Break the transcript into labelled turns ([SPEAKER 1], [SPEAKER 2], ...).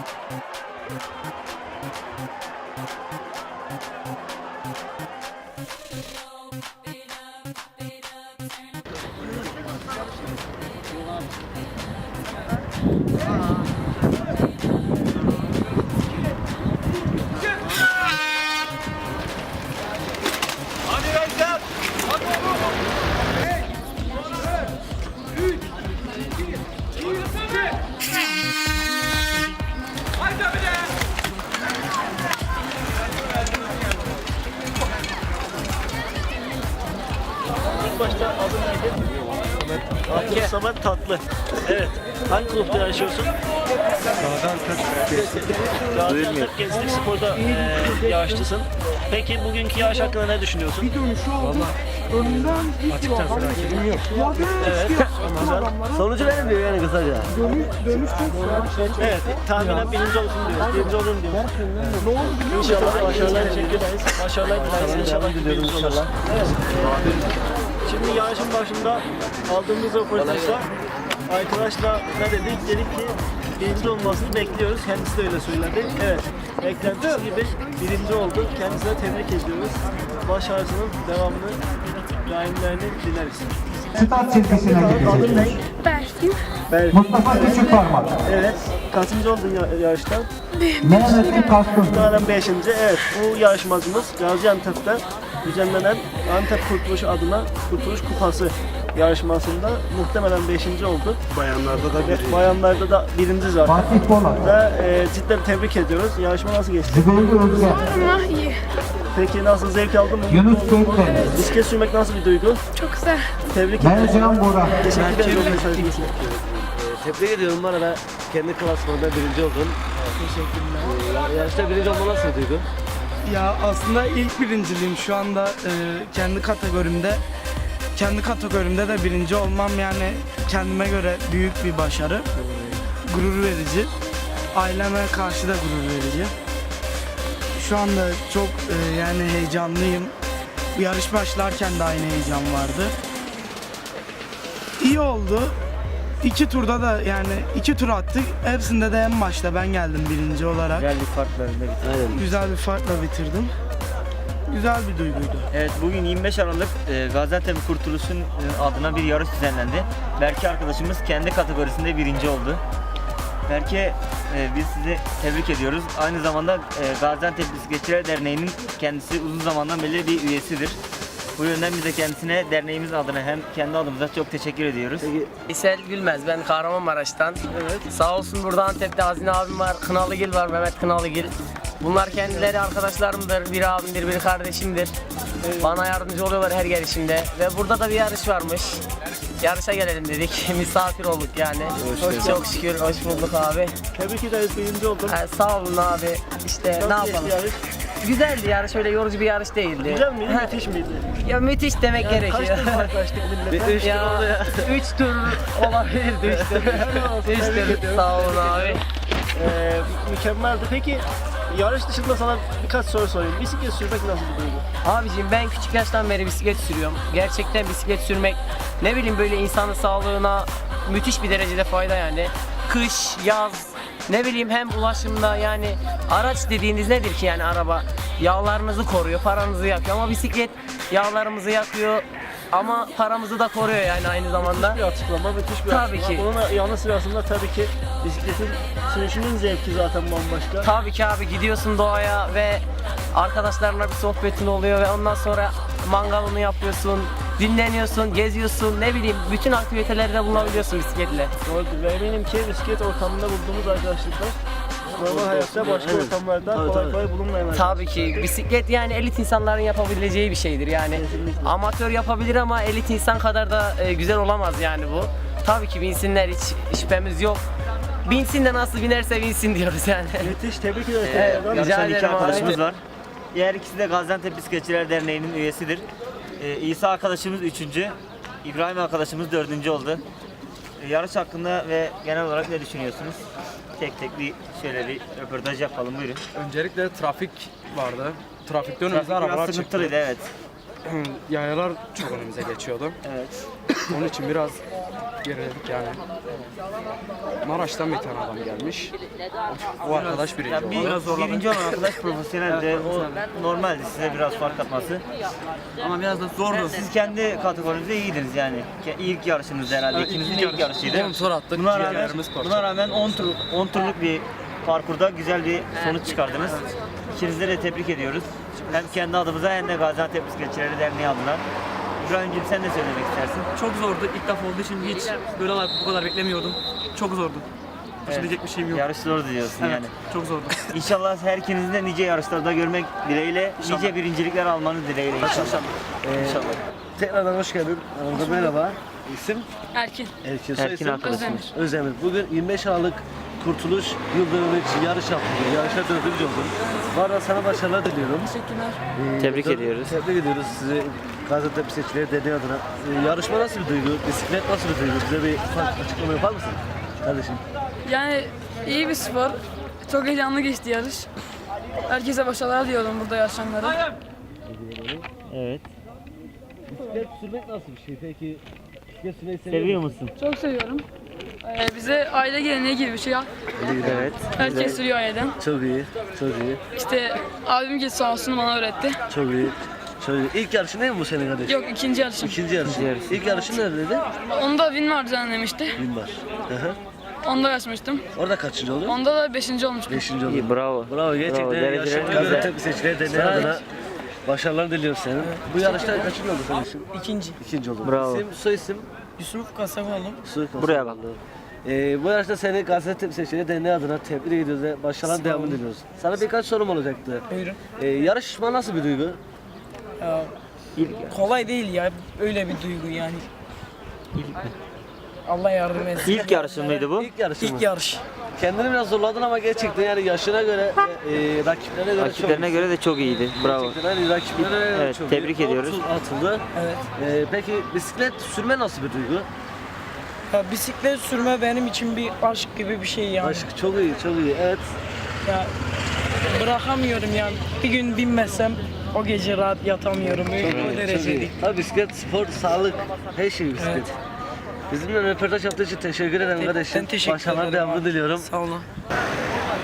[SPEAKER 1] Başta adı neydi? Samet Tatlı. Evet. Hangi kulüpte yaşıyorsun? Gaziantep Gençlik Spor'da yarışçısın. Peki bugünkü yarış hakkında ne düşünüyorsun?
[SPEAKER 2] Valla açıkçası rakibim yok.
[SPEAKER 1] Evet. Güzel.
[SPEAKER 3] Sonucu benim diyor yani kısaca.
[SPEAKER 1] Evet. Tahminen birinci olsun diyor. Birinci olun diyor. İnşallah başarılar dileriz. Başarılar dileriz. İnşallah birinci olur. Evet. Şimdi yarışın başında aldığımız röportajda arkadaşla ne dedik? Dedik ki birinci olmasını bekliyoruz. Kendisi de öyle söyledi. Evet. Beklentisi gibi birinci oldu. Kendisine tebrik ediyoruz. Başarısının devamını, daimlerini dileriz.
[SPEAKER 4] Start çizgisine
[SPEAKER 1] Adın ne?
[SPEAKER 5] Berfin.
[SPEAKER 4] Mustafa Küçükparmak.
[SPEAKER 1] Evet. Kaçıncı oldun yarışta?
[SPEAKER 4] Mehmet'in Kaskın.
[SPEAKER 1] Bunlardan 5. Evet. Bu yarışmacımız Gaziantep'te düzenlenen Antep Kurtuluş adına Kurtuluş Kupası yarışmasında muhtemelen 5. oldu.
[SPEAKER 2] Bayanlarda da bir
[SPEAKER 1] Bayanlarda da 1. zaten.
[SPEAKER 4] Fatih Polat.
[SPEAKER 1] Ve cidden tebrik ediyoruz. Yarışma nasıl geçti?
[SPEAKER 4] Zübeyir Özgen.
[SPEAKER 5] Ama iyi.
[SPEAKER 1] Peki nasıl, zevk aldın mı?
[SPEAKER 4] Yunus Gökdeniz.
[SPEAKER 1] Bisiklet sürmek nasıl bir duygu?
[SPEAKER 5] Çok güzel.
[SPEAKER 1] Tebrik ederim.
[SPEAKER 4] Mercan Bora.
[SPEAKER 1] Teşekkür ederim. Mesajınız için.
[SPEAKER 3] Tebrik ediyorum bana da kendi klasmanında birinci oldum. Teşekkürler. Yarışta birinci olma nasıl bir duygu?
[SPEAKER 6] Ya aslında ilk birinciliğim şu anda kendi kategorimde de birinci olmam yani kendime göre büyük bir başarı. Gurur verici. Aileme karşı da gurur verici. Şu anda çok yani heyecanlıyım. Bu yarış başlarken de aynı heyecan vardı. İyi oldu. 2 turda da yani 2 tur attık. Hepsinde de en başta ben geldim birinci olarak.
[SPEAKER 7] Güzel bir farkla önde bitirdik.
[SPEAKER 3] Aynen.
[SPEAKER 6] Güzel bir farkla bitirdim. Güzel bir duyguydu.
[SPEAKER 7] Evet, bugün 25 Aralık Gaziantep Kurtuluş'un adına bir yarış düzenlendi. Berke arkadaşımız kendi kategorisinde birinci oldu. Berke, biz sizi tebrik ediyoruz. Aynı zamanda Gaziantep Bisikletçiler Derneği'nin kendisi uzun zamandan beri bir üyesidir. Bu yönden biz de kendisine derneğimiz adına hem kendi adımıza çok teşekkür ediyoruz.
[SPEAKER 8] İsel Gülmez, ben Kahramanmaraş'tan.
[SPEAKER 1] Evet.
[SPEAKER 8] Sağ olsun burada Antep'te Hazine abim var, Kınalıgil var, Mehmet Kınalıgil. Bunlar kendileri arkadaşlarımdır, biri abimdir, biri kardeşimdir. Bana yardımcı oluyorlar her gelişimde. Ve burada da bir yarış varmış. Yarışa gelelim dedik, misafir olduk yani. Çok şükür, hoş bulduk abi.
[SPEAKER 1] Tebrik ederiz. Birinci oldun.
[SPEAKER 8] Sağ olun abi, işte ne
[SPEAKER 1] Nasıl
[SPEAKER 8] yapalım.
[SPEAKER 1] geçti yarış?
[SPEAKER 8] Güzeldi yarış, öyle yorucu bir yarış değildi.
[SPEAKER 1] Güzel miydi? Müthiş miydi?
[SPEAKER 8] Ya müthiş demek
[SPEAKER 1] Kaç
[SPEAKER 8] gerekiyor.
[SPEAKER 1] tur yaklaştık millete?
[SPEAKER 8] Ya 3 tur olabilirdi 3 tur. 3 tur. Sağ olun abi.
[SPEAKER 1] Mükemmeldi. Peki yarış dışında sana birkaç soru sorayım. Bisiklet sürmek nasıl bir duygu?
[SPEAKER 8] Abiciğim ben küçük yaştan beri bisiklet sürüyorum. Gerçekten bisiklet sürmek ne bileyim böyle insanın sağlığına müthiş bir derecede fayda yani. Kış, yaz, ne bileyim hem ulaşımda yani araç dediğiniz nedir ki yani araba? Yağlarınızı koruyor, paranızı yakıyor ama bisiklet yağlarımızı yakıyor ama paramızı da koruyor yani aynı zamanda.
[SPEAKER 1] Bir açıklama, müthiş bir
[SPEAKER 8] Tabii
[SPEAKER 1] açıklama.
[SPEAKER 8] ki.
[SPEAKER 1] Bunun yanı sırasında tabii ki bisikletin sürüşünün zevki zaten bambaşka.
[SPEAKER 8] Tabii ki abi gidiyorsun doğaya ve arkadaşlarına bir sohbetin oluyor ve ondan sonra mangalını yapıyorsun, dinleniyorsun, geziyorsun, ne bileyim bütün aktivitelerde bulunabiliyorsun bisikletle.
[SPEAKER 1] Doğrudur ve eminim ki bisiklet ortamında bulduğumuz arkadaşlıklar normal hayatta başka
[SPEAKER 3] Evet.
[SPEAKER 1] ortamlarda
[SPEAKER 3] Tabii,
[SPEAKER 1] kolay
[SPEAKER 3] tabii.
[SPEAKER 1] kolay bulunmayan
[SPEAKER 8] Tabii ki bisiklet yani elit insanların yapabileceği bir şeydir yani.
[SPEAKER 1] Kesinlikle.
[SPEAKER 8] Amatör yapabilir ama elit insan kadar da güzel olamaz yani bu. Tabii ki binsinler, hiç şüphemiz yok. Binsin de nasıl binerse binsin diyoruz yani.
[SPEAKER 1] Müthiş, tebrik ederiz.
[SPEAKER 8] Evet,
[SPEAKER 1] tekrardan.
[SPEAKER 8] rica
[SPEAKER 7] Yarışan iki
[SPEAKER 8] ederim abi.
[SPEAKER 7] arkadaşımız var. Diğer ikisi de Gaziantep Bisikletçiler Derneği'nin üyesidir. İsa arkadaşımız 3. İbrahim arkadaşımız 4. oldu. Yarış hakkında ve genel olarak ne düşünüyorsunuz? Tek tek bir şöyle bir röportaj yapalım, buyurun.
[SPEAKER 2] öncelikle trafik vardı. Trafikte önümüze
[SPEAKER 7] Trafik
[SPEAKER 2] arabalar
[SPEAKER 7] biraz
[SPEAKER 2] çıktı.
[SPEAKER 7] sıkıntılıydı, evet.
[SPEAKER 2] Yayalar çok önümüze geçiyordu.
[SPEAKER 7] Evet.
[SPEAKER 2] Onun için biraz geriledik yani. Maraş'tan bir tane adam gelmiş. O arkadaş birinci oldu.
[SPEAKER 7] Birinci olan arkadaş profesyoneldi. O normaldi, size biraz fark atması.
[SPEAKER 6] Ama biraz da zordu.
[SPEAKER 7] Siz kendi kategorinizde iyiydiniz yani. İlk yarışınız herhalde. İkinizin de ilk yarışıydı.
[SPEAKER 2] 10 tur attık.
[SPEAKER 7] Buna rağmen 10 turluk bir parkurda güzel bir sonuç çıkardınız. İkinizi de tebrik ediyoruz. Hem kendi adımıza hem de Gaziantep Bisikletçileri Derneği adına. İbrahim'ciğim sen ne söylemek istersin?
[SPEAKER 9] Çok zordu. İlk defa olduğu için hiç böyle bu kadar beklemiyordum. Çok zordu. Söyleyecek bir şeyim yok.
[SPEAKER 7] Yarış zordu diyorsun
[SPEAKER 9] Evet,
[SPEAKER 7] yani.
[SPEAKER 9] çok zordu.
[SPEAKER 7] İnşallah her ikinizi de nice yarışlarda görmek dileğiyle, nice birincilikler almanız dileğiyle inşallah. İnşallah.
[SPEAKER 3] Tekrardan hoş geldin. Aramızda merhaba. İsim?
[SPEAKER 5] Erkin.
[SPEAKER 3] Erkin. Soy
[SPEAKER 7] Erkin
[SPEAKER 3] isim?
[SPEAKER 7] arkadaşımız.
[SPEAKER 3] Özdemir. Bugün 25 Aralık Kurtuluş Yıl Dönümü için yarış yaptık. Yarışta 4. oldun. Bu arada sana başarılar diliyorum.
[SPEAKER 5] Teşekkürler.
[SPEAKER 7] Tebrik ediyoruz.
[SPEAKER 3] Tebrik ediyoruz sizi Gaziantep Bisikletçileri Derneği adına. Yarışma nasıl bir duygu? Bisiklet nasıl bir duygu? Bize bir ufak açıklama yapar mısın? Kardeşim.
[SPEAKER 5] Yani iyi bir spor. Çok heyecanlı geçti yarış. Herkese başarılar diliyorum burada yarışanlara.
[SPEAKER 7] Evet.
[SPEAKER 3] Bisiklet sürmek nasıl bir şey? Peki bisiklet sürmeyi
[SPEAKER 7] Seviyor musun?
[SPEAKER 5] Çok seviyorum. Bize aile geleneği gibi bir şey.
[SPEAKER 7] Evet.
[SPEAKER 5] Herkes sürüyor aileden.
[SPEAKER 3] Çok iyi. Çok iyi.
[SPEAKER 5] İşte abim git sağ olsun bana öğretti.
[SPEAKER 3] Çok iyi. Çok iyi. İlk yarışın değil mi bu senin kardeşim?
[SPEAKER 5] Yok ikinci yarışım.
[SPEAKER 3] İkinci yarışın. İlk yarışın neredeydi?
[SPEAKER 5] Onda Winmar düzenlemişti.
[SPEAKER 3] Bilmar.
[SPEAKER 5] Onda yarışmıştım.
[SPEAKER 3] Orada kaçıncı oldu?
[SPEAKER 5] Onda da 5. olmuştum.
[SPEAKER 3] 5. oldu.
[SPEAKER 7] İyi, bravo.
[SPEAKER 3] Bravo gerçekten
[SPEAKER 7] Dereceler
[SPEAKER 3] yarışan
[SPEAKER 7] güzel.
[SPEAKER 3] Gaziantep Bisikletçileri Derneği adına başarılar diliyoruz senin. Bu yarışta kaçıncı oldu kardeşim?
[SPEAKER 6] İkinci.
[SPEAKER 3] İkinci oldu.
[SPEAKER 7] Bravo.
[SPEAKER 3] İsim, soy isim?
[SPEAKER 6] Yusuf Kasakoğlu.
[SPEAKER 7] Buraya bak.
[SPEAKER 3] Bu yarışta seni Gaziantep Bisikletçileri Derneği adına tebrik ediyoruz ve başarılar devamını diliyoruz. Sana birkaç sorum olacaktı.
[SPEAKER 6] Buyurun.
[SPEAKER 3] Yarışma nasıl bir duygu?
[SPEAKER 6] Kolay değil ya. Öyle bir duygu yani. Allah yardım etsin.
[SPEAKER 7] İlk yarışın mıydı bu?
[SPEAKER 3] İlk yarışın mı?
[SPEAKER 6] İlk yarış.
[SPEAKER 3] Kendini biraz zorladın ama gerçekten yani yaşına göre, rakiplerine göre
[SPEAKER 7] Rakiplerine göre de çok iyiydi. Bravo.
[SPEAKER 3] Gerçekten hani rakiplerine göre
[SPEAKER 7] Evet,
[SPEAKER 3] çok
[SPEAKER 7] tebrik
[SPEAKER 3] iyi.
[SPEAKER 7] ediyoruz.
[SPEAKER 3] 10 tur atıldı.
[SPEAKER 6] Evet.
[SPEAKER 3] Peki bisiklet sürme nasıl bir duygu?
[SPEAKER 6] Ya, bisiklet sürme benim için bir aşk gibi bir şey yani.
[SPEAKER 3] Aşk çok iyi, çok iyi. Evet.
[SPEAKER 6] Ya bırakamıyorum yani. Bir gün binmezsem o gece rahat yatamıyorum. Öyle o
[SPEAKER 3] Çok
[SPEAKER 6] derece
[SPEAKER 3] iyi.
[SPEAKER 6] değil.
[SPEAKER 3] Tabii bisiklet, spor, sağlık, her şey bisiklet.
[SPEAKER 6] Evet.
[SPEAKER 3] Bizimle röportaj yaptığı için teşekkür ederim kardeşim.
[SPEAKER 6] Ben teşekkür
[SPEAKER 3] Başarılar
[SPEAKER 6] ederim
[SPEAKER 3] devamını
[SPEAKER 6] abi.
[SPEAKER 3] diliyorum.
[SPEAKER 6] Sağ olun.